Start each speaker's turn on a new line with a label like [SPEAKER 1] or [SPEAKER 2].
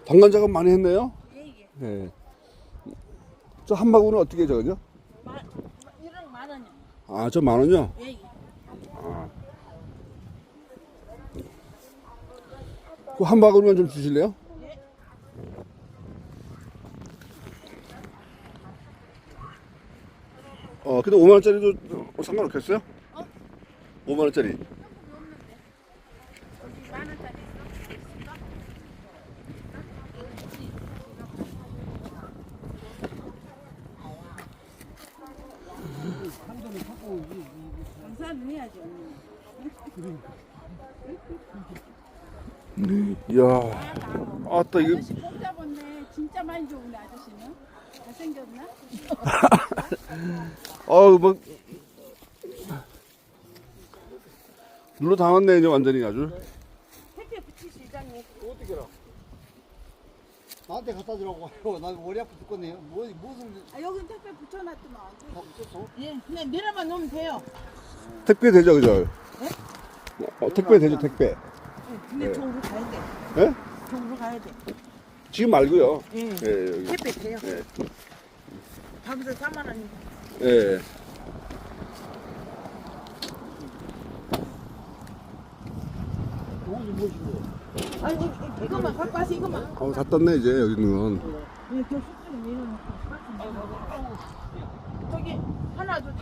[SPEAKER 1] 방관 작업 많이 했네요.
[SPEAKER 2] 예.
[SPEAKER 1] 네. 저 한 바구니는 어떻게 저거요?
[SPEAKER 2] 이런 10,000원이요.
[SPEAKER 1] 아, 저 10,000원요?
[SPEAKER 2] 예.
[SPEAKER 1] 아. 그 한 바구니만 좀 주실래요?
[SPEAKER 2] 예.
[SPEAKER 1] 근데 5만원짜리도 상관없겠어요? 5만원짜리.
[SPEAKER 2] 여기 10,000원짜리 있어? 감사는 해야죠.
[SPEAKER 1] 이야, 아따, 이거.
[SPEAKER 2] 아저씨 꼭 잡았네. 진짜 많이 좋은데 아저씨는? 잘생겼나?
[SPEAKER 1] 뭐. 눌러 담았네, 이제 완전히 아주.
[SPEAKER 2] 택배 붙이시 이장님.
[SPEAKER 3] 어떻게 알아? 나한테 갖다 주라고 하고 나 머리 아프 죽겠네요. 무슨
[SPEAKER 2] 아 여기 택배 붙여놨더만.
[SPEAKER 3] 다 붙였어?
[SPEAKER 2] 예, 그냥 내려만 놓으면 돼요.
[SPEAKER 1] 택배 되죠, 그죠? 택배 되죠, 택배.
[SPEAKER 2] 예, 근데
[SPEAKER 1] 네.
[SPEAKER 2] 저기로 가야 돼.
[SPEAKER 1] 예?
[SPEAKER 2] 저기로 가야 돼.
[SPEAKER 1] 지금 말고요.
[SPEAKER 2] 예.
[SPEAKER 1] 예, 여기.
[SPEAKER 2] 택배 돼요.
[SPEAKER 1] 예.
[SPEAKER 2] 거기서 4만 원.
[SPEAKER 1] 예.
[SPEAKER 3] 이것이 무엇이고?
[SPEAKER 2] 아니 이것만 갖고 와서 이것만.
[SPEAKER 1] 다 떴네, 이제, 여기 있는 건.
[SPEAKER 2] 예, 저 숙주는 내려놓고. 저기 하나 둘.